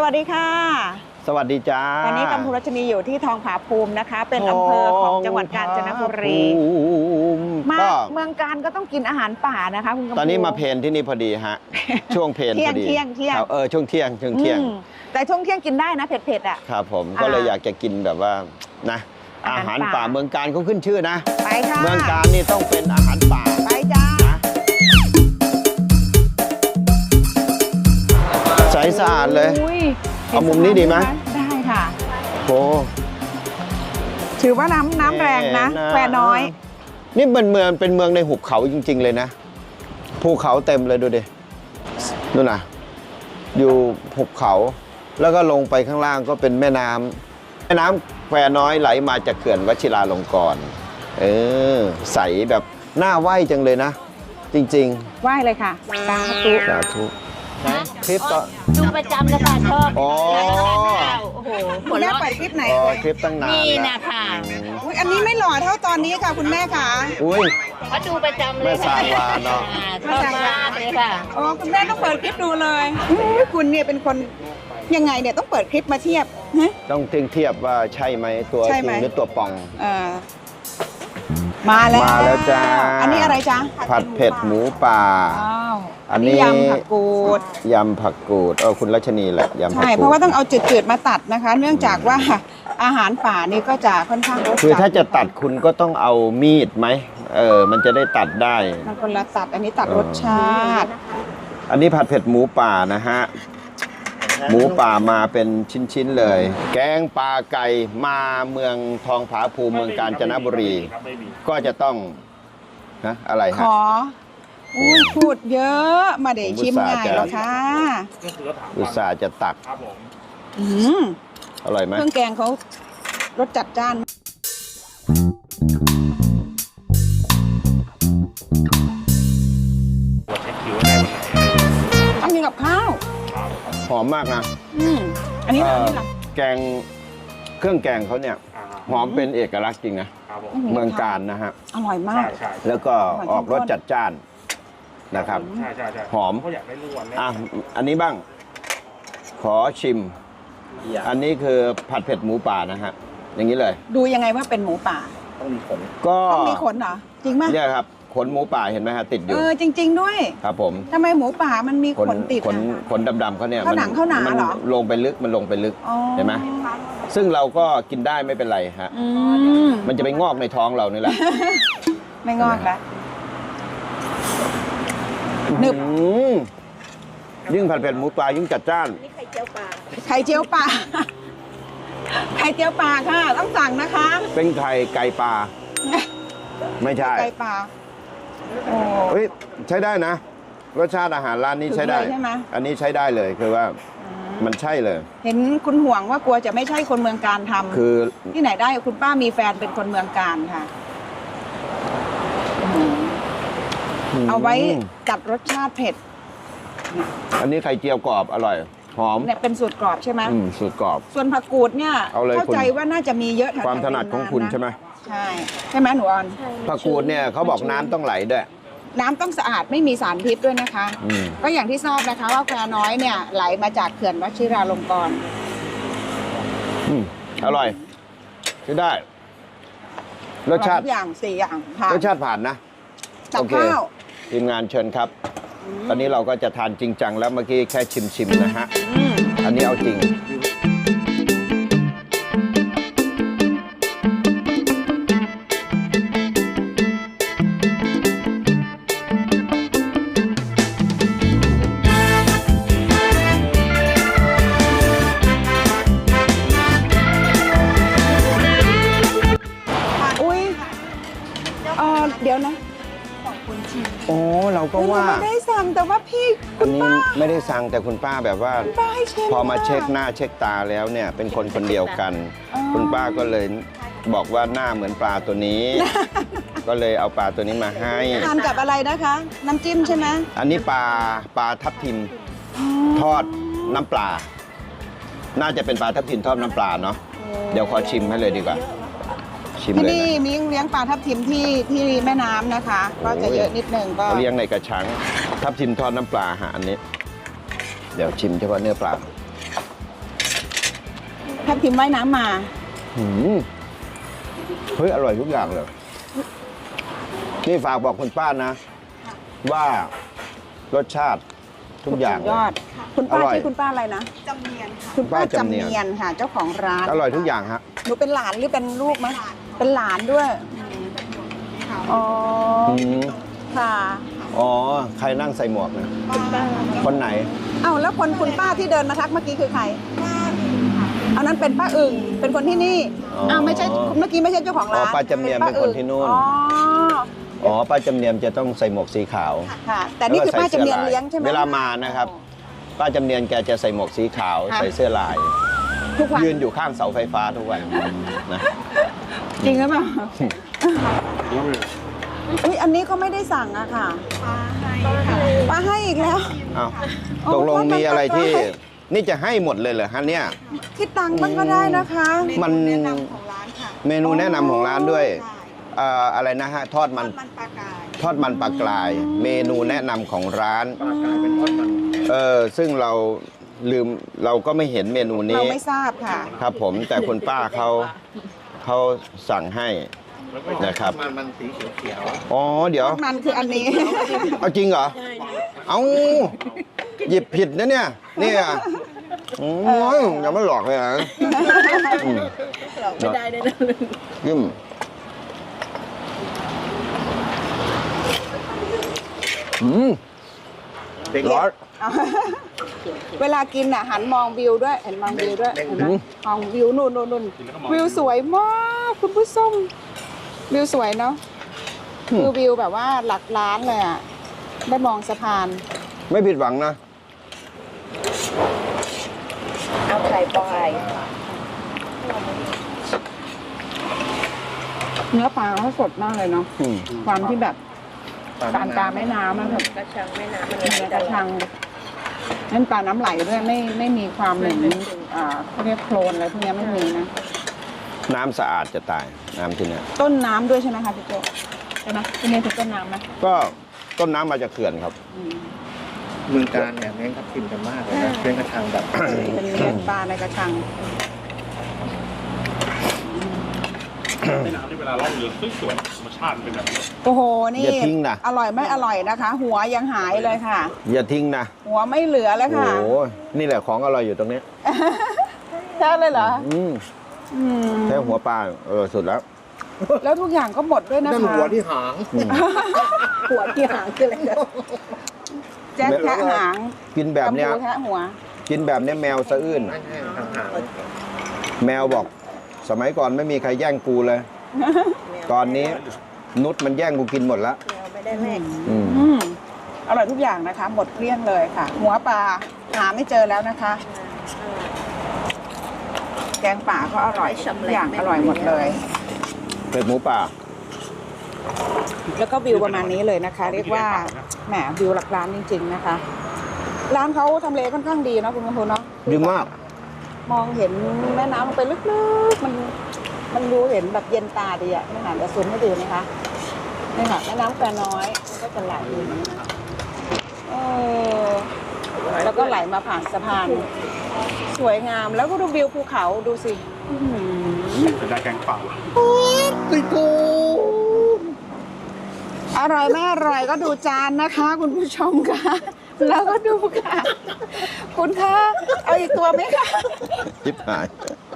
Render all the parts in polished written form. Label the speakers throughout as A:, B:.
A: วัสดีค่ะ
B: สวัสดีจ้า
A: ตอนนี้กัมพูรัชนีอยู่ที่ทองผาภูมินะคะเป็นอำเภอของจังหวัดกาญจนบุรีมาเมืองการก็ต้องกินอาหารป่านะคะคุณกัมพู
B: ตอนนี้มาเพลนที่นี่พอดีฮะช่วงเพลนพอดี
A: เที่ยง
B: ช่วงเที่ยง
A: แต่ช่วงเที่ยงกินได้นะเผ็ดๆอ่ะ
B: ครับผมก็เลยอยากจะกินแบบว่านะอาหารป่าเมืองการเขาขึ้นชื่อนะ
A: ไปค่ะ
B: เมืองการนี่ต้องเป็นอาหารป่า
A: ไปจ้า
B: ใสสะอาดเลยเอามุมนี้ดีไหม
A: ได้ค่ะ
B: โอ้
A: ถือว่าน้ำแรงนะแควน้อย
B: นี่เป็นเมืองในหุบเขาจริงๆเลยนะภูเขาเต็มเลยดูดิดูนะอยู่หุบเขาแล้วก็ลงไปข้างล่างก็เป็นแม่น้ำแควน้อยไหลมาจากเขื่อนวชิราลงกรณ์ใสแบบน่าไหวจังเลยนะจริง
A: ๆไหวเลยค่ะสาธุ
B: คลิปต่อ
C: ดูประจำเลยค่ะชอบ
B: โอ้
A: โหคุณแม่เปิดคลิปไหน
B: คลิปตั้งนาน
C: นี่นะคะ
A: อันนี้ไม่หล่อเท่าตอนนี้ค่ะคุณแม่ค่ะ
B: อุ้ย
C: เขาดูประจำเลย
B: แม่สาวาเนาะ
C: ชอบมากเลยค่ะ
A: อ๋อคุณแม่ต้องเปิดคลิปดูเลยคุณเนี่ยเป็นคนยังไงเนี่ยต้องเปิดคลิปมาเทียบ
B: ต้องเทียบว่าใช่ไหมตัวจริงหรือตัวปอง
A: มาแล้ว
B: จ้า
A: อันนี้อะไรจ๊ะ
B: ผัดเผ็ดหมูป่า
A: อันนี้ยำผักกูด
B: คุณรัชนีแหละยำผักกูด
A: ใช่เพราะว่าต้องเอาจืดๆมาตัดนะคะเนื่องจากว่าอาหารป่านี่ก็จะค่อนข้างรสจัด
B: คือถ้าจะตัดคุณก็ต้องเอามีดไหมมันจะได้ตัดได้
A: มันคนละตัดอันนี้ตัดรสชาติ
B: อันนี้ผัดเผ็ดหมูป่านะฮะหมูป่ามาเป็นชิ้นๆเลยแกงปลาไก่มาเมืองทองผาภูมิเมืองกาญจนบุรีก็จะต้องนะอะไรฮะ
A: พูดเยอะมาเดี๋ยวชิมง่ายหรอคะ
B: อุตส่าห์จะตักอร่อยไหม
A: เครื่องแกงเขารสจัดจ้านต้องกินกับข้าว
B: หอมมากนะ
A: อันนี้
B: แกงเครื่องแกงเขาเนี่ยหอมเป็นเอกลักษณ์จริงนะเมืองการนะฮะ
A: อร่อยมาก
B: แล้วก็ออกรสจัดจ้านนะครับหอมอันนี้บ้างขอชิมอันนี้คือผัดเผ็ดหมูป่านะฮะอย่างนี้เลย
A: ดูยังไงว่าเป็นหมูป่า
B: ต้องมีขนก็
A: ต้องมีขนเหรอจริงไหม
B: เนี่ยครับขนหมูป่าเห็นไหมฮะติดอยู่
A: จริงๆด้วย
B: ครับผม
A: ทำไมหมูป่ามันมีขนติด
B: ขนดำๆเขาเนี่ย
A: มันหนาเหรอ
B: ลงไปลึกเห็นไหมซึ่งเราก็กินได้ไม่เป็นไรฮะมันจะไปงอกในท้องเรานี่แหละ
A: ไม่งอกแล้วนึบ
B: ยิ่งผัดเผ็ดหมูป่ายิ่งจัดจ้าน
A: ไข่เจียวปลาไข่เจียวปลาค่ะต้องสั่งนะคะ
B: เป็นไก่ปลาไม่ใช่
A: ไก่ปลา
B: เฮ้ยใช้ได้นะรสชาติอาหารร้านนี้ใช้ได้อันนี้ใช้ได้เลยคือว่ามันใช่เลย
A: เห็นคุณห่วงว่ากลัวจะไม่ใช่คนเมืองการทำ
B: คือ
A: ที่ไหนได้คุณป้ามีแฟนเป็นคนเมืองการค่ะเอาไว้จัดรสชาติเผ็ด
B: อันนี้ไข่เจียวกรอบอร่อยหอม
A: เนี่ยเป็นสูตรกรอบใช่ไหม
B: สูตรกรอบ
A: ส่วนผักกูดเนี่ยเข้าใจว่าน่าจะมีเยอะแถว
B: ความถนัดของคุณใช่ไหม
A: ใช่ไหมหนูออน
B: ผักกูดเนี่ยเขาบอกน้ำต้องไหลด้วย
A: น้ำต้องสะอาดไม่มีสารพิษด้วยนะคะก็อย่างที่ทราบนะคะว่าแควน้อยเนี่ยไหลมาจากเขื่อนวชิราลงกรณ์
B: อร่อยใช้ได้รสชาติ
A: อย่าง4 อย่าง
B: รสชาติผ่านนะ
A: ตักข้าว
B: ทีมงานเชิญครับตอนนี้เราก็จะทานจริงจังแล้วเมื่อกี้แค่ชิมนะฮะอันนี้เอาจริง
A: เดี๋ยวนะ
B: โอ้เราก็ว่า
A: ไม่ได้สั่งแต่ว่าพี่
B: อันนี้ไม่ได้สั่งแต่คุณป้าแบบว่าพอมาเช็คหน้าเช็คตาแล้วเนี่ยเป็นคนเดียวกันคุณป้าก็เลยบอกว่าหน้าเหมือนปลาตัวนี้ก็เลยเอาปลาตัวนี้มาให้
A: ทานกับอะไรนะคะน้ำจิ้มใช่ไหม
B: อันนี้ปลาทับทิมทอดน้ำปลาน่าจะเป็นปลาทับทิมทอดน้ำปลาเนาะเดี๋ยวขอชิมให้เลยดีกว่า
A: ที่นี่มีเลี้ยงปลาทับทิมที่แม่น้ำนะคะก็จะเยอะนิดนึงก็
B: เลี้ยงในกระชังทับทิมทอดน้ำปลาอันนี้เดี๋ยวชิมเฉพาะเนื้อปลา
A: ทับทิมว่ายน้ำมา
B: หืมเฮ้ยอร่อยทุกอย่างเลย นี่ฝากบอกคุณป้านะ ว่ารสชาติทุกอย่าง
A: สุดยอด คุณป้า
B: อร่อย
A: ชื่อคุณป้าอะไรนะ
D: จำเนียนค่ะ
A: คุณป้า
B: ป้าจำ
A: จำ
B: เนียน
A: เนียนค่ะ เจ้าของร้าน
B: อร่อยทุกอย่างฮะ
A: หนูเป็นหลานหรือเป็นลูกไหมเป็นหลานด้วยอ๋อ
B: อืม
A: ค่ะ
B: อ๋อ ใครนั่งใส่หมวกนะคนไหน
A: เอ้าแล้วคนคุณป้าที่เดินมาทักเมื่อกี้คือใครอันนั้นเป็นป้าอึ่งเป็นคนที่นี่
B: อ๋อ
A: อ้าวไม่ใช่เมื่อกี้ไม่ใช่เจ้าของร้าน
B: อ๋อป้าจำเนียนเป็นคนที่นู่น
A: อ๋อ
B: อ๋อ ป้าจำเนียมจะต้องใส่หมวกสีขาว
A: ค่ะ แต่นี่คือป้าจำเนียนเลี้ยงใช่ไหม
B: เวลามานะครับ ป้าจำเนียนแกจะใส่หมวกสีขาว
A: ค่ะ
B: ใส่เสื้อลาย
A: ทุกวัน
B: ยืนอยู่ข้างเสาไฟฟ้าทุกวันนะ
A: จริงหรือเปล่าอุ๊ยอันนี้ก็ไม่ได้สั่งอะค่ะป้าให้อีกแล้ว
B: อ้าว
A: โอ้
B: ตกลงมีอะไรที่
A: ป้า
B: นี่จะให้หมดเลยเหรอฮะเนี่ย
A: คิดตังค์บ้างก็ได้นะคะ
B: มัน
D: แนะนำของร้านค่ะ
B: เมนูแนะนำของร้านด้วย
D: ใช่
B: อะไรนะฮะ ทอดมัน
D: มันปลากาย
B: ทอดมันปลากราย เมนูแนะนำของร้าน ซึ่งเราลืมเราก็ไม่เห็นเมนู
A: เรา
B: นี้
A: ไม่ทราบค่ะ
B: ครับผมแต่คุณป้าเขาสั่งให้นะครับ
E: มันสีเขียว
B: อ๋อเดี๋ยว
A: มันคืออันนี้
B: เอาจริงเหรอเอาหยิบผิดนะเนี่ยเนี่ยอย่ามาหลอกเลยนะหลอกไม่ได้เลยนะยิ้ม
E: เด็ก
B: ร้อน
A: เวลากินอ่ะหันมองวิวด้วยเห็นมองวิวด้วยเห็นไหมมองวิวนู่นวิวสวยมากคุณผู้ชมวิวสวยเนาะคือวิวแบบว่าหลักล้านเลยอ่ะได้มองสะพาน
B: ไม่ผิดหวังนะ
C: เอาไข่ปลาย
A: เนื้อปลาเขาสดมากเลยเนาะ
B: อืม
A: ความที่แบบกลางแม่น้ำมันแบบ
C: กระชังแม่น้ำมัน
A: เนื้อกระชังนั่นปลาน้ำไหลด้วยไม่มีความเหม็นเขาเรียกโคลนอะไรพวกเนี้ยไม่มีนะ
B: น้ำสะอาดจะตายน้ำที่เนี่ย
A: ต้นน้ำด้วยใช่ไหมคะพี่โจใช่ไหมที่นี่คือต้นน้ำไหม
B: ก็ต้นน้ำมาจากเขื่อนครับ
A: อืม
E: เมืองการเนี่ยเน้นทับทิมกันมากเลยนะเลี้ยงกระชังแบบ
A: เป็นเลี้ยงปลาในกระชัง
F: แม่น้ำที่เวลาล่องเรือสวยๆธรรมชาติเป็นแบบนี้
A: โอ้โหนี่
B: อย่าทิ้งนะ
A: อร่อยไม่อร่อยนะคะ หัวยังหายเลยค่ะ
B: อย่าทิ้งนะ
A: หัวไม่เหลือเลย
B: โอ้
A: ค่ะ
B: โหนี่แหละของอร่อยอยู่ตรงนี้
A: ใช่เลยเหรอ
B: อืม
A: อืม
B: แค่หัวปลาสุดแล้ว
A: แล้วทุกอย่างก็หมดด้วยนะคะ
E: นั่นหัวที่หาง
A: หัวที่หางคืออะไรแจ๊คแคะหาง
B: กินแบบเนี้ย
A: กำพูแคะหัว
B: กินแบบเนี้ยแมวสะอื้น
E: นั่นไงหาง
B: แมวบอก สมัยก่อนไม่มีใครแย่งกูเลย ตอนนี้นุชมันแย่งกูกินหมดแล้ว
C: ไม่ได้แม่
B: อืม
A: อืมอร่อยทุกอย่างนะคะ หมดเกลี้ยงเลยค่ะ หัวปลาหาไม่เจอแล้วนะคะ แกงป่าก็อร่อยทุกอย่างอร่อยหมดเลย
B: เป็ดหมูป่า
A: แล้วก็วิวประมาณนี้เลยนะคะ เรียกว่าแหมวิวหลักล้านจริง ๆนะคะ ร้านเขาทำเลค่อนข้างดีเนาะคุณกำพูเนาะ
B: ดีมาก
A: มองเห็นแม่น้ำลงไปลึกๆมันดูเห็นแบบเย็นตาดีอะนี่ค่ะเดี๋ยวซูมให้ดูนะคะนี่ค่ะแม่น้ำแควน้อยมันก็จะไหลอยู่อย่างนี้นะแล้วก็ไหลมาผ่านสะพาน สวยงามแล้วก็ดูวิวภูเขาดูสิอื้อหือ
F: จะได้แกงป่า
A: อร่อยไม่อร่อยก็ดูจานนะคะ คุณผู้ชมค่ะ แล้วก็ดูค่ะ คุณคะเอาอีกตัวไหมคะ
B: ชิบหาย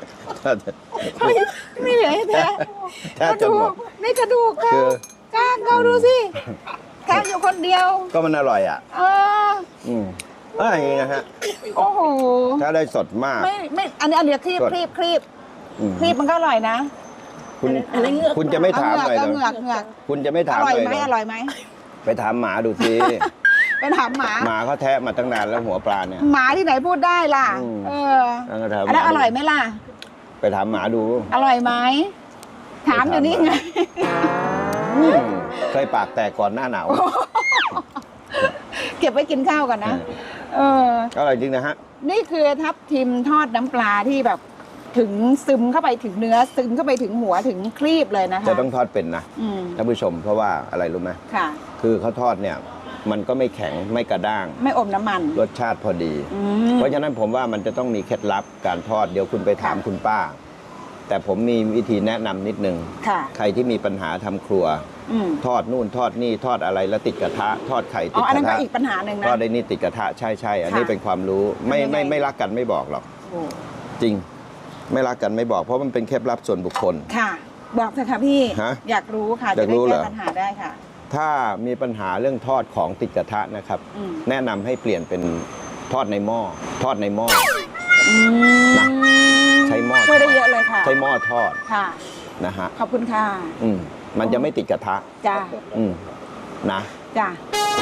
A: ไม่เหลือให้แท้
B: แทบ
A: กระ
B: จะ
A: ดู
B: หม
A: ก
B: ด
A: นี่กระดูกเขา
B: คือ
A: กล้างเขาดูสิแทบอยู่คนเดียว
B: ก็มันอร่อยอ่ะ
A: เออ
B: อืมอะไรอย่างงี้นะฮะ
A: โอ้โห
B: ถ้าได้สดมาก
A: ไม่อันนี้ครีบ
B: สด
A: ครีบ
B: อืม
A: มันก็อร่อยนะ
B: คุณจะไม่ถามเลย
A: เอา
B: เหร
A: เหงือก
B: อคุณจะไม่
A: อ
B: ถาม
A: ร่อย
B: เลย
A: ไหม
B: เหร
A: อร่อยไหม
B: ไปถามหมาดูสิ
A: ไปถามหมา
B: หมาเขาแทะมาตั้งนานแล้วหัวปลาเนี่ย
A: หมาที่ไหนพูดได้ล่ะ
B: อืม
A: เออ
B: แล้วก็ถาม
A: อันนั้นอร่อยไหมล่ะ
B: ไปถามหมาดู
A: อร่อยไหมถามอยู่นี่ไง
B: อืมเคยปากแตกก่อนหน้าหนาว
A: เก็บไว้กินข้าวก่อนนะ เออ
B: อร่อยจริงนะฮะ
A: นี่คือทับทิมทอดน้ำปลาที่แบบถึงซึมเข้าไปถึงเนื้อซึมเข้าไปถึงหัวถึงครีบเลยนะคะ
B: จะต้องทอดเป็นนะ
A: อืม
B: ท่านผู้ชมเพราะว่าอะไรรู้ไหม
A: ค่ะ
B: คือเขาทอดเนี่ยมันก็ไม่แข็งไม่กระด้าง
A: ไม่อมน้ำมัน
B: รสชาติพอดี
A: อืม
B: เพราะฉะนั้นผมว่ามันจะต้องมีเคล็ดลับการทอดเดี๋ยวคุณไปถาม
A: ค่ะ
B: คุณป้า แต่ผมมีวิธีแนะนำนิดนึง
A: ค่ะ
B: ใครที่มีปัญหาทำครัว
A: อืม
B: ทอดนู่นทอดนี่ทอดอะไรแล้วติดกระทะ ทอดไข่
A: อ๋
B: ติ
A: อ
B: ด
A: อัน
B: ก
A: นั้น
B: ระ
A: ก็
B: ทะ
A: อีกปัญหาหนึ่งนะ
B: ทอดได้นี่ติดกระทะใช่อันนี้
A: ค่ะ
B: เป็นความรู้ไม่
A: ทำยังไง
B: ไม่รักกันไม่บอกหรอก
A: โอ้
B: จริง ไม่รักกันไม่บอก เพราะมันเป็นเคล็ดลับส่วนบุคคล
A: ค่ะ บอกเถอะค่ะพี่
B: ฮะ
A: อยากรู้ค่ะ
B: อ
A: จะ
B: ยาก
A: ได้
B: รู้เหร
A: แก้
B: อ
A: ปัญหาได้ค่ะ
B: ถ้ามีปัญหาเรื่องทอดของติดกระทะนะครับ
A: อืม
B: แนะนำให้เปลี่ยนเป็นทอดในหม้อทอดในหม้อ
A: อืม
B: นะใช้หม้อ
A: ช่วยได้เยอะเลยค่ะ
B: ใช้หม้อทอด
A: ค่ะ
B: นะฮะ
A: ขอบคุณค่ะ
B: มันจะไม่ติดกระทะ
A: จ้า
B: อืมนะ
A: จ้า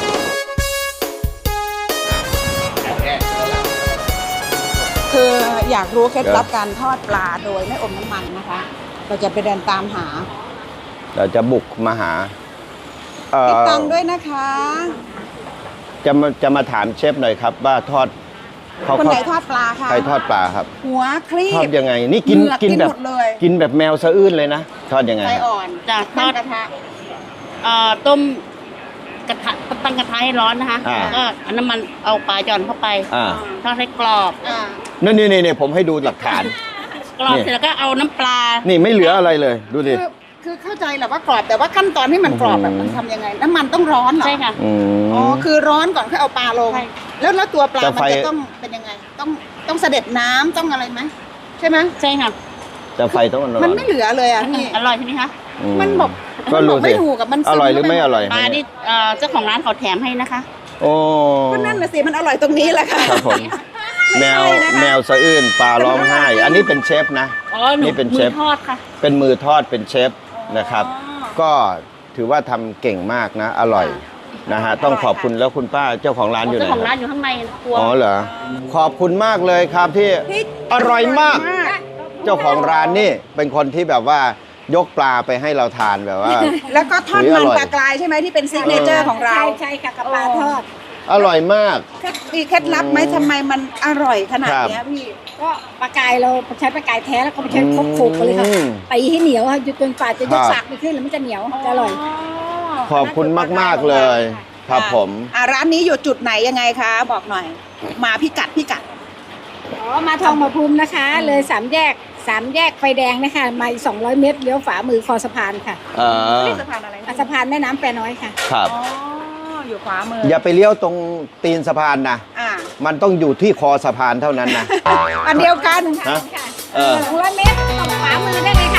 A: คืออยากรู้เคล็ดลับการทอดปลาโดยไม่อมน้ำมันนะคะ เราจะไปเดินตามหา
B: เราจะบุกมาหาเอ่อ
A: คิดตังค์ด้วยนะคะ
B: จะมาถามเชฟหน่อยครับ ว่าทอดเขา
A: คนไหนทอดปลาคะ
B: ใครทอดปลาครับ
A: หัวครี
B: ทอด
A: บ
B: ยังไง นี่กิน
A: เหงือก
B: กินแบบ
A: หมดเลย
B: กินแบบแมวสะอื้นเลยนะทอดยังไง
A: ไฟ
B: ครับ
A: อ่อน
C: จะท
A: ตั้
C: อง ด
A: กระทะ
C: ต้มกระทะตั้งกระทะให้ร้อนนะคะ
B: อ่า
C: แล้วก็เอาน้ำมันเอาปลาหย่อนเข้าไป
B: อ่า
C: ทอดให้กรอบ
A: อ่า
B: นี่ผมให้ดูหลักฐาน
C: กรอบ
B: นี่
C: เสร็จแล้วก็เอาน้ำปลา
B: นี่ไม่เหลืออะไรเลย ดูดิ
A: คือเข้าใจแหละว่ากรอบแต่ว่าขั้นตอนที่มันกรอบแบบมันทำยังไง น้ำมันต้องร้อนเหรอ
C: ใช่ค่ะ
B: อืม
A: อ๋อคือร้อนก่อนค่อยเอาปลาลง
C: ใช่
A: แล้วตัวปลา
B: แต่
A: มัน
B: ไฟ
A: จะต้องเป็นยังไง ต้องเสด็จน้ำต้องอะไรไหมใช่ไหม
C: ใช่ค่ะ
B: แต่ไฟต้องร้อน
A: มันไม่เหลือเลยอ่ะพี่
C: อร่อยใช่ไหมคะ
B: อื
A: มันบอก
B: ก็
A: มันบ
B: รู้
A: อก
B: สิ
A: ไม่ถูกกับมัน
B: อร่อยหรือไม่อร่อย
C: ปลาที่เจ้าของร้านเขาแถมให้นะคะ
B: โอ้
A: ก็นั่นน่ะสิมันอร่อยตรงนี้แหละค่ะ
B: ครับผม
A: ไม่
B: แม
A: ใช่
B: ว
A: นะคะ
B: แมวสะอื้นปลาร้องไห้ อันนี้เป็นเชฟนะ
C: อ๋อหนู
B: นี่เป็นเชฟ
C: มือทอดค่ะ
B: เป็นมือทอดเป็นเชฟนะครับ ก็ถือว่าทำเก่งมากนะ อร่อยนะฮะต้องขอบคุณแล้วคุณป้าเจ้าของร้านอยู่ไหน
C: เจ้าของ
B: ค
C: ร้า
B: รั
C: น
B: บ
C: อยู่ข้างในครัว
B: อ๋อเหรอขอบคุณมากเลยครับที่
A: พี่
B: อร่อยมาก เจ้าของร้านนี่เป็นคนที่แบบว่ายกปลาไปให้เราทานแบบว่า
A: แล้วก็ทอด
B: อุ๊ย
A: มัน
B: อร่อย
A: ปลากรายใช่ไหมที่เป็นซิกเนเจอร์ของเรา
D: ใช่ค่ะกับปลาทอด
B: อร่อยมาก
A: มีเคล็ดลับไหมทำไมมันอร่อยขนาดเนี้ยพี่
D: ก็ปลากายเราใช้ปลากายแท้แล้วก็ไม่ใช้ครบโขกเลยค่ะ
B: อืม
D: ตีให้เหนียวค่ะจนกว่าจะย
B: ครั
D: ก
B: บ
D: สากไปขึ้นแล้วมันจะเหนียวจะอร่อย
B: ขอบคุณมาก ๆ เลย ครับผม
A: ร้านนี้อยู่จุดไหนยังไงคะ บอกหน่อย มาพิกัด
D: อ๋อ มาทองมาภูมินะคะ เลยสามแยกไฟแดงนะคะ มาอีก200 เมตรเลี้ยวขวามือคอสะพานค่ะ
A: นี่สะพานอะไร
D: สะพานแม่น้ำแปรน้อยค่ะ
B: ครับ
A: อ๋อ อยู่ขวามือ
B: อย่าไปเลี้ยวตรงตีนสะพานนะ
A: อ่า
B: มันต้องอยู่ที่คอสะพานเท่านั้นนะ
A: อันเดียวกัน
B: ฮะ
D: ค่ะ
B: เออ
D: 200 เมตรตรงขวามือได้เลยค่ะ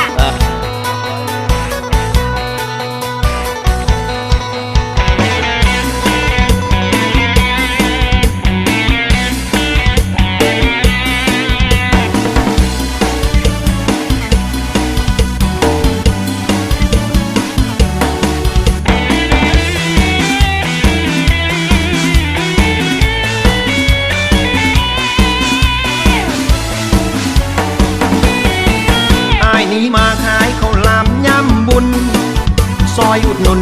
G: อ้ายนี้มาขายข้าวหลามย่ำบุญ ซอยอุดหนุน